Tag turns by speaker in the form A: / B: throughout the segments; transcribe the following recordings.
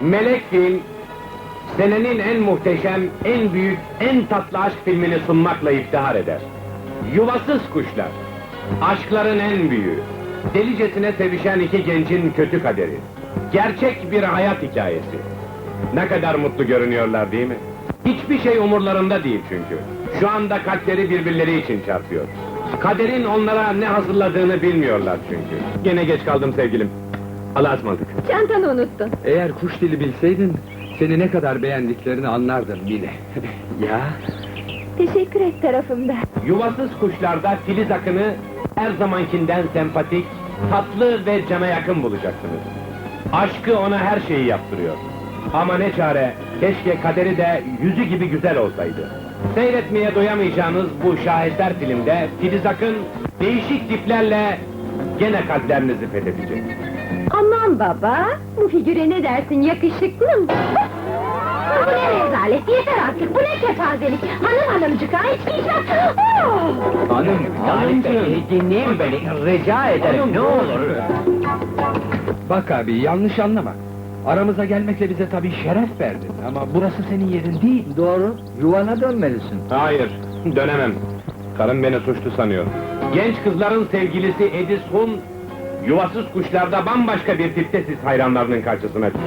A: Melek Film, senenin en muhteşem, en büyük, en tatlı aşk filmini sunmakla iftihar eder. Yuvasız Kuşlar, aşkların en büyüğü, delicesine sevişen iki gencin kötü kaderi, gerçek bir hayat hikayesi. Ne kadar mutlu görünüyorlar değil mi? Hiçbir şey umurlarında değil çünkü. Şu anda kalpleri birbirleri için çarpıyor. Kaderin onlara ne hazırladığını bilmiyorlar çünkü. Gene geç kaldım sevgilim. Allah'a ısmarladık.
B: Çantanı unuttun.
C: Eğer kuş dili bilseydin, seni ne kadar beğendiklerini anlardım Mine. Ya,
B: Teşekkür et tarafımda.
A: Yuvasız Kuşlar'da Filiz Akın'ı her zamankinden sempatik, tatlı ve cana yakın bulacaksınız. Aşkı ona her şeyi yaptırıyor. Ama ne çare, keşke kaderi de yüzü gibi güzel olsaydı. Seyretmeye doyamayacağınız bu şaheser filmde Filiz Akın değişik tiplerle gene kalplerinizi fethedecek.
B: Aman baba, bu figüre ne dersin, yakışıklı mı? Bu ne rezalet, yeter artık, bu ne kepazelik! Hanımcık, ha, hiç giyeceğim!
C: hanımcığım.
D: Dinleyin beni, rica ederim, ne olur.
C: Bak abi, yanlış anlama. Aramıza gelmekle bize tabii şeref verdin ama burası senin yerin değil.
D: Doğru, yuvana dönmelisin.
A: Hayır, dönemem. Karım beni suçlu sanıyor. Genç kızların sevgilisi Edison, Yuvasız Kuşlar'da bambaşka bir tipte siz hayranlarının karşısına çıkıyor.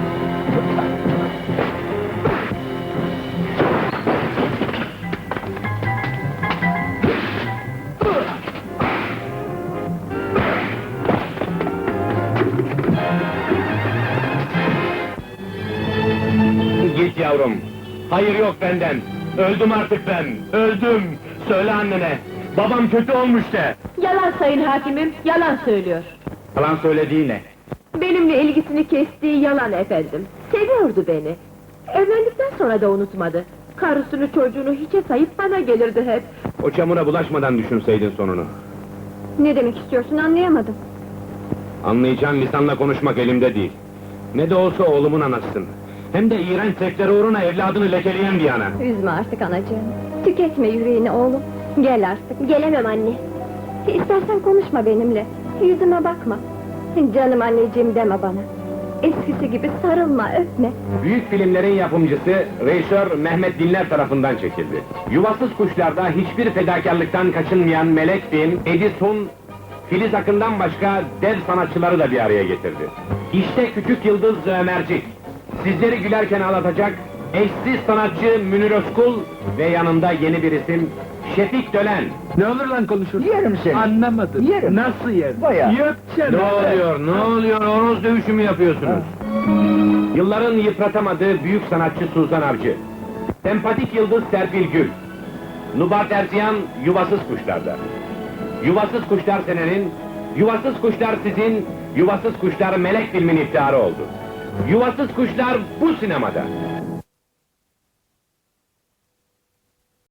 A: Git yavrum. Hayır yok benden. Öldüm artık ben. Öldüm. Söyle annene. Babam kötü olmuş de.
B: Yalan sayın hakimim, yalan söylüyor.
A: Yalan söylediği ne?
B: Benimle ilgisini kestiği yalan efendim. Seviyordu beni. Evlendikten sonra da unutmadı. Karısını çocuğunu hiçe sayıp bana gelirdi hep.
A: O çamura bulaşmadan düşünseydin sonunu.
B: Ne demek istiyorsun, anlayamadım.
A: Anlayacağın lisanla konuşmak elimde değil. Ne de olsa oğlumun anasısın. Hem de iğrenç sektör uğruna evladını lekeleyen bir ana.
B: Üzme artık anacığım. Tüketme yüreğini oğlum. Gel artık. Gelemem anne. İstersen konuşma benimle. Yüzüme bakma. Canım anneciğim deme bana. Eskisi gibi sarılma, öpme.
A: Büyük filmlerin yapımcısı, rejisör Mehmet Dinler tarafından çekildi. Yuvasız Kuşlar'da hiçbir fedakarlıktan kaçınmayan Melek Film, Edison, Filiz Akın'dan başka dev sanatçıları da bir araya getirdi. İşte Küçük Yıldız Ömercik, sizleri gülerken ağlatacak, eşsiz sanatçı Münir Özkul ve yanında yeni bir isim, Şefik Dölen.
C: Ne olur lan konuşursun?
D: Yerim seni.
C: Anlamadım.
D: Yerim.
C: Nasıl yer?
D: Bayağı.
C: Yöpçen.
A: Ne oluyor, horoz dövüşü mü yapıyorsunuz? Yılların yıpratamadığı büyük sanatçı Suzan Avcı, sempatik yıldız Serpil Gül, Nubar Terziyan Yuvasız Kuşlar'da. Yuvasız Kuşlar senenin, Yuvasız Kuşlar sizin, Yuvasız Kuşlar Melek Filmin iftiharı oldu. Yuvasız Kuşlar bu sinemada.